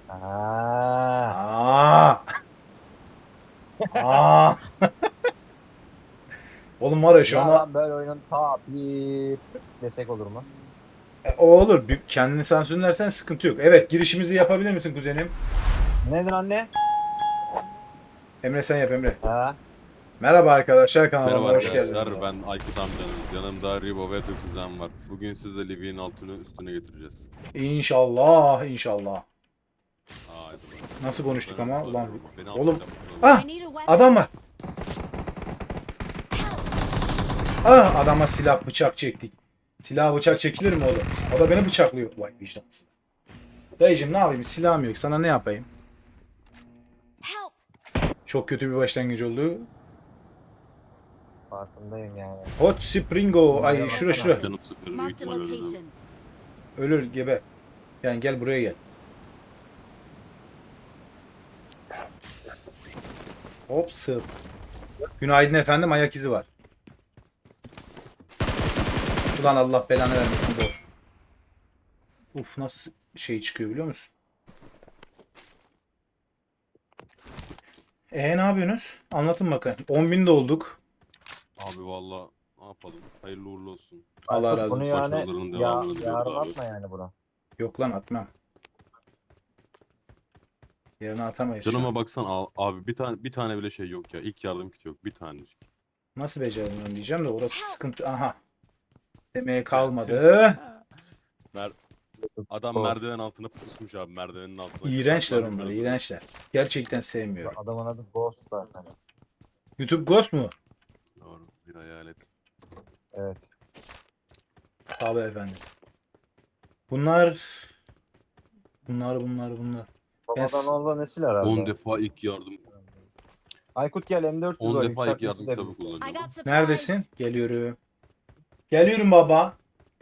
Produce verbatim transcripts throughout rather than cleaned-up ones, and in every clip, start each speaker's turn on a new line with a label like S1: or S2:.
S1: Aa,
S2: Aa! Aa! Oğlum var ya şu
S1: ya
S2: an
S1: ben böyle oyunun ta bir desek olur mu?
S2: o olur. Bir- Kendini sansürlersen sıkıntı yok. Evet, girişimizi yapabilir misin kuzenim?
S1: Nedir anne?
S2: Emre sen yap Emre.
S1: Ha,
S2: Merhaba arkadaşlar, kanalıma
S3: Merhaba
S2: hoş
S3: arkadaşlar,
S2: geldiniz.
S3: ben Aykut amcanız. Yanımda Ribo ve Döküzen var. Bugün sizle Livy'nin altını üstüne getireceğiz.
S2: İnşallah, inşallah.
S3: Aa, hadi bakalım.
S2: Nasıl konuştuk
S3: Ben
S2: ama ulan.
S3: soruyorum. Beni
S2: Oğlum.
S3: alttan yapmışlar.
S2: Ah!
S4: I need a
S2: Adam
S4: weapon.
S2: var. Ah! Adama silah bıçak çektik. Silah bıçak çekilir mi oğlum? O da beni bıçaklıyor. Vay vicdansız. Dayıcım ne yapayım? Silahım yok. Sana ne yapayım?
S4: Help!
S2: Çok kötü bir başlangıç oldu.
S1: farkındayım yani.
S2: Hot Springo. Ay
S1: Merhaba,
S2: şura
S1: baksana.
S2: şura.
S3: Canım sıfır, büyük
S4: Marked a
S3: ihtimal öldüm.
S4: location.
S2: Ölür gebe. Yani gel buraya gel. Hop sıp. Günaydın efendim, ayak izi var. Ulan Allah belanı vermesin bu. Uf nasıl şey çıkıyor biliyor musun? E ne yapıyorsunuz? Anlatın bakayım. on bin de olduk.
S3: Abi valla ne yapalım? Hayırlı uğurlu olsun.
S2: Allah
S1: Aykut,
S2: razı
S1: bunu
S2: olsun.
S1: yani
S3: Başarılarının
S1: ya,
S3: devamını diliyoruz
S1: yarın
S3: abi.
S1: atma yani bunu.
S2: Yok lan atmam. Yerine atamayız şu an.
S3: Canıma baksan al- abi bir tane bir tane bile şey yok ya. İlk yardım kiti yok. Bir tanecik.
S2: Nasıl beceremiyorum diyeceğim de orası sıkıntı. Aha. Demeye
S3: Gelsin.
S2: kalmadı.
S3: Mer Adam
S1: Of.
S3: merdiven altına pusmuş abi. Merdivenin altına.
S2: İğrençler
S3: Saklanmış
S2: onlar,
S3: orada.
S2: iğrençler. Gerçekten sevmiyorum.
S1: Adamın adı Ghost zaten.
S2: YouTube Ghost mu?
S3: Doğru. Bir hayalet.
S1: Evet.
S2: Tabii efendim. Bunlar bunlar bunlar bunlar. Ben s-
S1: Babadan oğlan nesil herhalde.
S3: on defa ilk yardım.
S1: Aykut gel M dört yüz
S3: on
S1: var
S3: defa ilk
S1: yükselt
S3: yardım
S1: nesil
S3: kitabı
S1: dedim.
S4: I
S3: kullanıyorum.
S4: got supplies.
S2: Neredesin? Geliyorum. Geliyorum baba.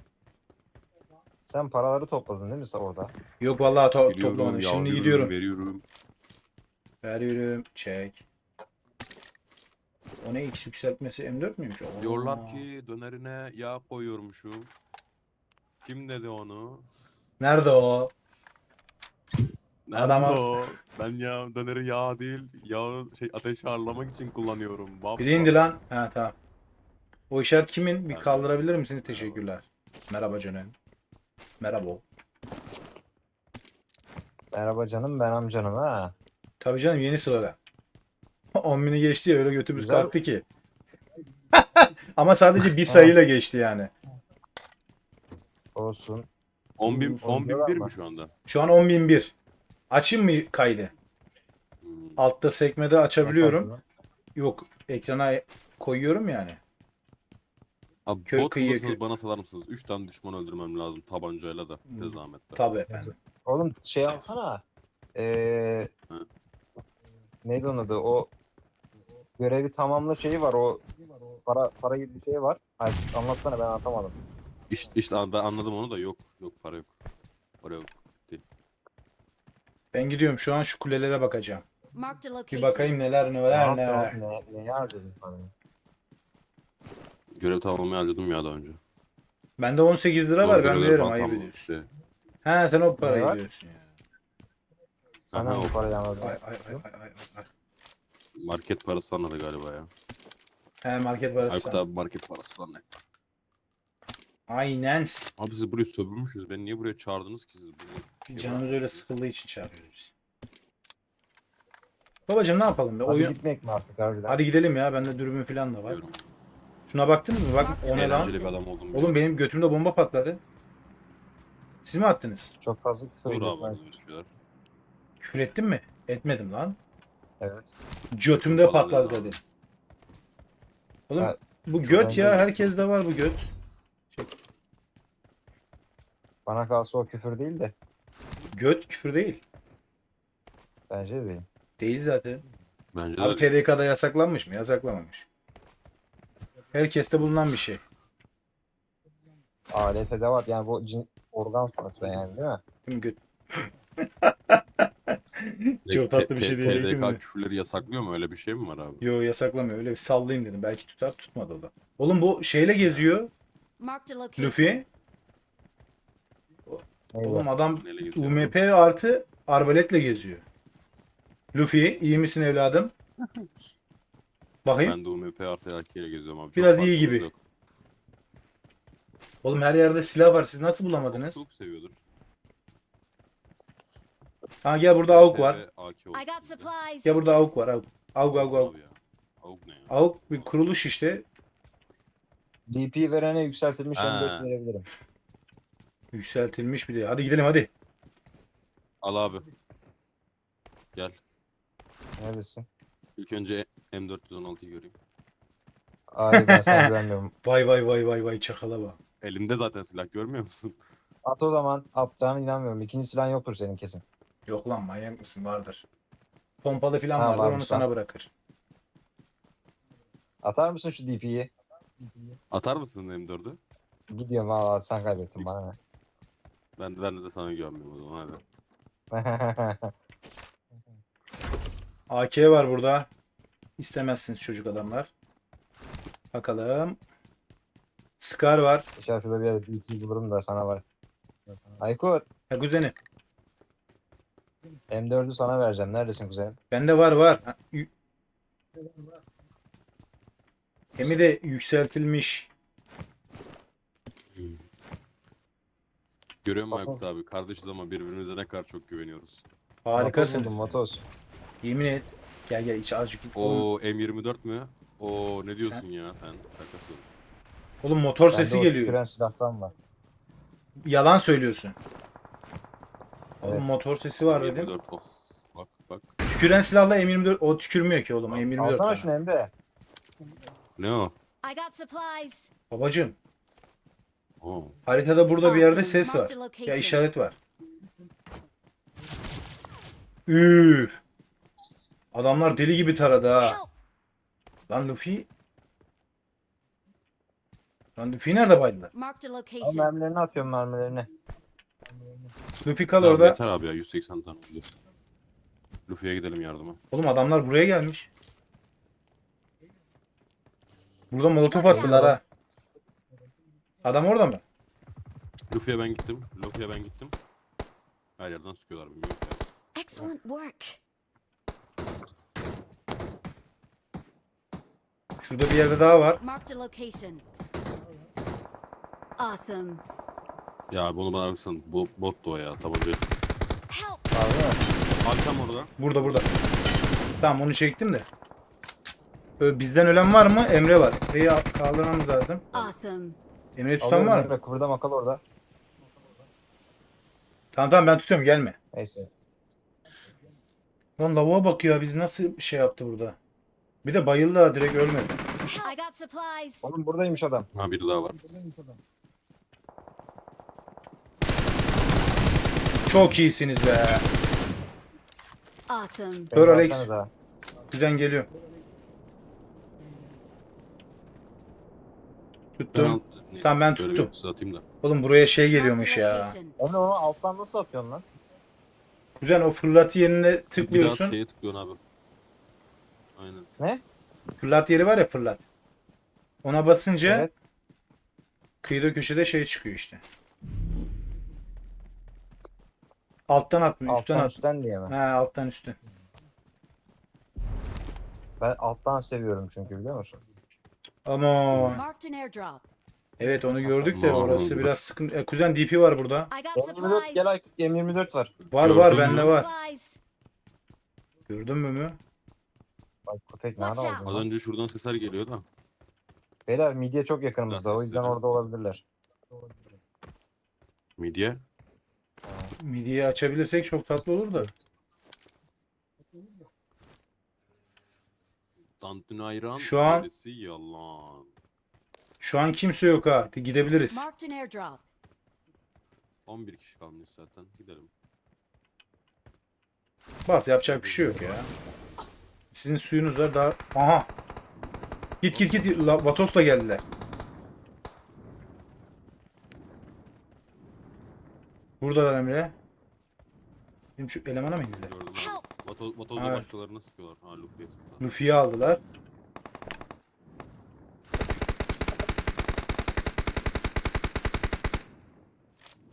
S1: Sen paraları topladın değil mi sen orada?
S2: Yok vallahi to
S3: Gidiyorum,
S2: toplamadım. Şimdi
S3: yavruyorum,
S2: gidiyorum.
S3: veriyorum.
S2: Veriyorum. Çek. O ne X yükseltmesi M dört müymüş? Oo.
S3: Diyorlar ki dönerine yağ koyuyormuşum. Kim dedi onu?
S2: Nerede o?
S3: Nerede
S2: Adama-
S3: o? Ben ya döneri yağ değil, yağı şey ateşi ağırlamak için kullanıyorum. Bab
S2: Biri indi lan. Ha tamam. O işaret kimin? Bir
S3: Ben-
S2: kaldırabilir misiniz? Teşekkürler. Merhaba canım. Merhaba.
S1: Merhaba canım ben amcanım ha.
S2: Tabii canım yeni sırada. on bini geçti ya öyle götümüz
S1: Güzel.
S2: kalktı ki. Ama sadece bir sayıyla geçti yani.
S1: Olsun.
S3: on bin,
S1: Hmm,
S3: on bin
S1: oynuyorlar
S3: bir
S1: mı?
S3: mi şu anda?
S2: Şu an on bin bir. Açayım mı kaydı?
S3: Hmm.
S2: Altta sekmede açabiliyorum.
S1: Bakalım.
S2: Yok ekrana koyuyorum yani.
S3: Abi
S2: Kö-
S3: bot
S2: kıyıya
S3: bulursanız
S2: kö-
S3: bana salar mısınız? üç tane düşman öldürmem lazım tabancayla da.
S2: Hmm.
S3: Tez zahmetle.
S2: Tabii efendim.
S1: Oğlum şey alsana. Ee,
S3: Hı.
S1: neydi onun adı? O görevi tamamla şeyi var. O para para gibi bir şey var. Ay, anlatsana ben anlatamadım.
S3: İşte, işte abi ben anladım onu da yok. Yok para yok. Para yok.
S2: Ben gidiyorum şu an şu kulelere bakacağım.
S4: Marked a
S2: Bir
S4: location.
S2: bakayım neler
S1: Ne
S2: neler
S1: yaptın
S2: neler.
S1: oğlum? Ne, ne harcadın para?
S3: Görev tamamlamayı harcadım ya daha önce.
S2: Bende on sekiz lira
S3: Zor
S2: var ben
S3: görevler
S2: veririm
S3: falan
S2: ayıp
S3: tamamladım
S2: ediyorsun.
S3: işte.
S2: He sen o parayı
S1: var?
S2: diyorsun ya.
S1: Sen
S3: Aha,
S1: hangi
S3: o
S1: parayı anladın?
S2: Ay ay ay ay ay. ay.
S3: market parası anladı galiba ya.
S2: He market parası.
S3: Aykut abi market parası zannetti.
S2: Aynen.
S3: Abi siz burayı sömürmüşsünüz. Beni niye buraya çağırdınız ki siz? Burada şey var.
S2: Canımız öyle sıkıldığı için çağırıyoruz. Babacım ne yapalım be?
S1: Hadi
S2: Oyun...
S1: gitmek mi artık harbiden?
S2: Hadi gidelim ya. Bende dürbün falan da var.
S3: Diyorum.
S2: Şuna baktınız mı? Bak o ne lan?
S3: Eğlenceli bir adam oldum.
S2: Oğlum benim götümde bomba patladı. Siz mi attınız?
S1: Çok fazla küfür
S3: Dur
S1: ediyorsun.
S3: abi
S1: Aykut.
S3: az bir şeyler.
S2: Küfür ettim mi? Etmedim lan.
S1: Evet.
S2: Götümde
S3: Falan
S2: patladı
S3: dedi abi.
S2: dedim. Oğlum
S1: Ha,
S2: bu
S1: çok
S2: göt ya.
S1: önemli.
S2: Herkes de var bu göt.
S1: Bana kalsa o küfür değil de.
S2: Göt küfür değil.
S1: Bence de değil.
S2: Değil zaten.
S3: Bence
S2: Abi
S3: de
S2: T D K'da yasaklanmış mı? Yasaklanmamış. Herkeste bulunan bir şey.
S1: Alet edevat yani bu cin, organ sonuçta yani değil mi?
S2: Değil mi göt?
S3: Direkt
S2: Çok tatlı bir
S3: T-
S2: şey
S3: T-
S2: diyecektim
S3: T D K
S2: de.
S3: küfürleri yasaklıyor mu? Öyle bir şey mi var abi?
S2: Yo yasaklamıyor. Öyle bir sallayayım dedim. Belki tutar tutmadı o da. Oğlum bu şeyle geziyor.
S4: Marked a location.
S2: Luffy.
S1: Neydi?
S2: Oğlum adam
S3: Neyle geziyor?
S2: U M P artı arbaletle geziyor. Luffy iyi misin evladım? Bakayım.
S3: Ben de U M P artı A K ile geziyorum abi. Çok
S2: Biraz iyi
S3: farkımız
S2: gibi.
S3: yok.
S2: Oğlum her yerde silah var. Siz nasıl bulamadınız?
S3: Çok seviyordur.
S2: Ha gel burada avuk var.
S3: A K olsun
S4: I got
S3: bize.
S4: supplies.
S2: Gel burada avuk var. Avuk. Avuk avuk avuk.
S3: Abi ya. Avuk ne ya?
S2: Avuk bir kuruluş işte.
S1: D P verene yükseltilmiş
S3: Ha.
S1: M dört verebilirim.
S2: Yükseltilmiş bir de. Hadi gidelim hadi.
S3: Al abi. Gel.
S1: Neredesin?
S3: İlk önce M dört yüz on altıyı göreyim.
S1: Hayır ben sana güvenmiyorum.
S2: Vay vay vay vay vay çakala bak.
S3: Elimde zaten silah görmüyor musun?
S1: At o zaman. Atacağına inanmıyorum. İkinci silahın yoktur senin kesin.
S2: Yok lan manyak mısın vardır. Pompalı falan
S1: Ha,
S2: vardır onu
S1: varmış
S2: sana
S1: lan.
S2: bırakır.
S1: Atar mısın şu D P'yi?
S3: Atar mısın M dördü?
S1: Gidiyorum valla sen kaybettin bana ne.
S3: Ben, ben de sana güvenmiyorum o zaman hadi.
S2: A K var burada. İstemezsiniz çocuk adamlar. Bakalım. Scar var.
S1: İnşallah şurada bir yerde D P bulurum da sana var. Aykut.
S2: Ha kuzeni.
S1: M dördü sana vereceğim. Neredesin kuzenim?
S2: Bende var var. Ha, yü- Hem de yükseltilmiş.
S3: Görüyor musun
S1: Bakalım.
S3: Aykut abi? Kardeşiz ama birbirimize ne kadar çok güveniyoruz.
S2: Harikasınız.
S1: Motos.
S2: Yemin et. Gel gel içi azıcık. Oğlum,
S3: O M yirmi dört mü? O ne diyorsun
S2: Sen-
S3: ya sen? Şakası.
S2: oğlum motor
S1: Bende
S2: sesi
S1: o
S2: geliyor.
S1: tüküren silahtan var.
S2: Yalan söylüyorsun. Oğlum
S1: Evet.
S2: motor sesi var
S3: M
S2: dedim.
S3: yirmi dört oh. Bak bak.
S2: Tüküren silahla M yirmi dört o tükürmüyor ki oğlum M yirmi dört.
S1: Alsana
S2: bana.
S1: şunu Emre.
S3: Ne o?
S4: I got supplies.
S2: Babacım
S3: Oo.
S2: haritada burada bir yerde
S4: Awesome.
S2: ses var.
S4: Marked a location.
S2: Ya işaret var. Üf. Adamlar deli gibi taradı ha.
S4: Help.
S2: Lan Luffy. Lan Luffy nerede baydılar?
S4: Marked a
S1: Al
S4: location.
S1: mermilerini atıyorum mermilerini.
S2: Luffy kal
S3: Tamam,
S2: orada.
S3: yeter abi ya yüz seksen tane oldu. Luffy'ye gidelim yardıma.
S2: Oğlum adamlar buraya gelmiş. Burada molotof
S4: Watch
S2: attılar
S1: out.
S2: ha. Adam orada mı?
S3: Luffy'ye ben gittim. Luffy'ye ben gittim. Her yerden sıkıyorlar bilmiyorum ki.
S4: Excellent work.
S2: Şurada bir yerde daha var.
S4: Marked a location. Awesome.
S3: Ya abi onu bana ararsan bu bot da o ya tabanca.
S4: Help.
S1: Var değil mi?
S3: Abi tam orada.
S2: Burada burada. Tamam onu çektim de. Ö, Bizden ölen var mı? Emre var. Emre'yi al- kaldırmamız lazım.
S4: Awesome.
S2: Emre'yi tutan
S1: Alıyorum
S2: var mı?
S1: Emre. Kıvırda kal orada.
S2: Tamam tamam ben tutuyorum gelme.
S1: Neyse.
S2: Lan lavuğa bak ya biz nasıl şey yaptı burada. Bir de bayıldı ha direkt ölmedi.
S4: I got supplies.
S1: Oğlum buradaymış adam.
S3: Ha biri daha var.
S2: Çok iyisiniz be.
S4: Awesome.
S2: Dur
S1: Beni
S2: Alex.
S1: alsanıza.
S2: Kuzen geliyor.
S3: Ben
S2: Tuttum.
S3: al- neyse,
S2: Tamam, ben
S3: şöyle
S2: tuttum.
S3: bir atayım da.
S2: Oğlum buraya şey
S4: Marked a
S2: geliyormuş ya.
S4: location.
S1: Emre onu alttan nasıl atıyorsun lan?
S2: Kuzen o fırlat yerine
S3: Bir daha
S2: tıklıyorsun.
S3: şeye tıklıyorsun abi. Aynen.
S1: Ne?
S2: Fırlat yeri var ya fırlat. Ona basınca
S1: Evet.
S2: kıyıda köşede şey çıkıyor işte. Alttan atmıyor, üstten
S1: Alttan
S2: at.
S1: üstten diye mi?
S2: Ha alttan üstten.
S1: Ben alttan seviyorum çünkü biliyor musun?
S2: Ama
S4: Marked an airdrop.
S2: evet onu gördük de
S3: Aman.
S2: orası biraz sıkıntı. E, kuzen D P var burada.
S4: I got
S1: M yirmi dört
S4: supplies.
S1: gel Aykut M yirmi dört var.
S2: Var
S3: Gördüm.
S2: var
S4: I got
S2: bende var.
S4: supplies.
S2: Gördün mü mü?
S1: Bak köpek nerede
S4: Watch
S1: oldu?
S3: Az
S1: lan?
S3: önce şuradan sesler geliyor da.
S1: Beyler midye çok yakınımızda o yüzden
S3: Sesleri.
S1: orada olabilirler.
S3: Midye.
S2: Midiyi açabilirsek çok tatlı olur da.
S3: Tantuni ayran.
S2: Şu an-
S3: gerisi yalan.
S2: Şu an kimse yok ha. Gidebiliriz.
S4: Marked an airdrop.
S3: on bir kişi kalmış zaten. Gidelim.
S2: Bas yapacak bir şey yok ya. Sizin suyunuz var daha. Aha. Git git git. La- Vatos'la geldiler. Buradalar Emre. Benim şu elemana mı indiler?
S3: Gördüm
S4: Help.
S3: abi. Vato, Vatoz'da
S2: Evet.
S3: başkalarına sıkıyorlar. Ha Luffy'ye sıkıyorlar.
S2: Luffy'yi aldılar.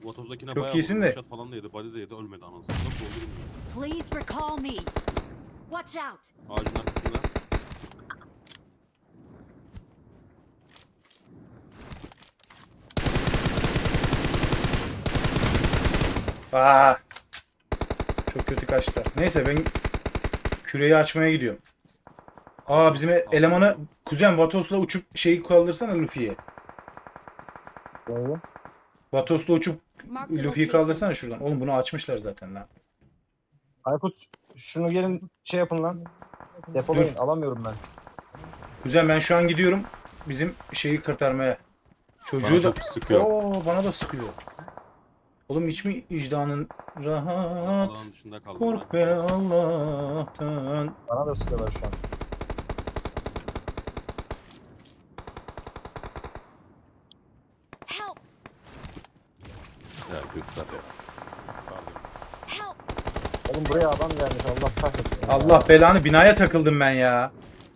S3: Vatozdakine
S2: Çok
S3: bayağı
S2: iyisin
S3: vurdu,
S2: de.
S3: headshot falan da yedi, body de yedi, ölmedi anasını. Nasıl oldu bilmiyorum.
S4: Please recall me. Watch out.
S3: Ağacın arkasında.
S2: Aa. Çok kötü kaçtı. Neyse ben küreyi açmaya gidiyorum. Aa bizim e- elemanı kuzen Vatos'la uçup şeyi kaldırsana Luffy'ye.
S1: Neyi?
S2: Vatos'la uçup
S4: Mark the
S2: Luffy'yi
S4: location.
S2: kaldırsana şuradan. Oğlum bunu açmışlar zaten lan.
S1: Aykut şunu gelin şey yapın lan. Depolayın. Alamıyorum ben.
S2: Kuzen ben şu an gidiyorum bizim şeyi kurtarmaya. Çocuğu
S3: Bana
S2: da
S3: çok sıkıyor.
S2: Oo, bana da sıkıyor. Oğlum hiç mi vicdanın rahat?
S3: Alanın dışında kaldım
S2: Kork
S3: ben.
S2: be Allah'tan.
S1: Bana da sıkıyorlar şu an.
S4: Help.
S3: Ya göster ya. Pardon.
S4: Help.
S1: Oğlum buraya adam gelmiş. Allah kahretsin. ya.
S2: Allah belanı binaya takıldım ben ya.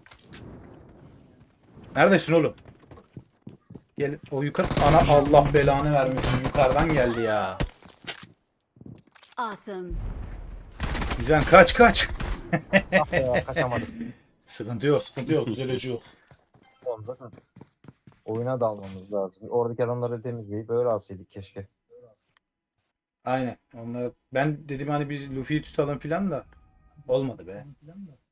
S2: Neredesin oğlum? Gel o yukarı. Ana Allah belanı vermesin yukarıdan geldi ya.
S4: Awesome.
S2: Güzel kaç kaç.
S1: Ah be ya kaçamadım.
S2: Sıkıntı yok sıkıntı yok düzeleci yok.
S1: Oğlum zaten oyuna dalmamız lazım. Oradaki adamları temizleyip öyle alsaydık keşke.
S2: Aynen. Onlar, ben dedim hani biz Luffy'yi tutalım filan da olmadı be.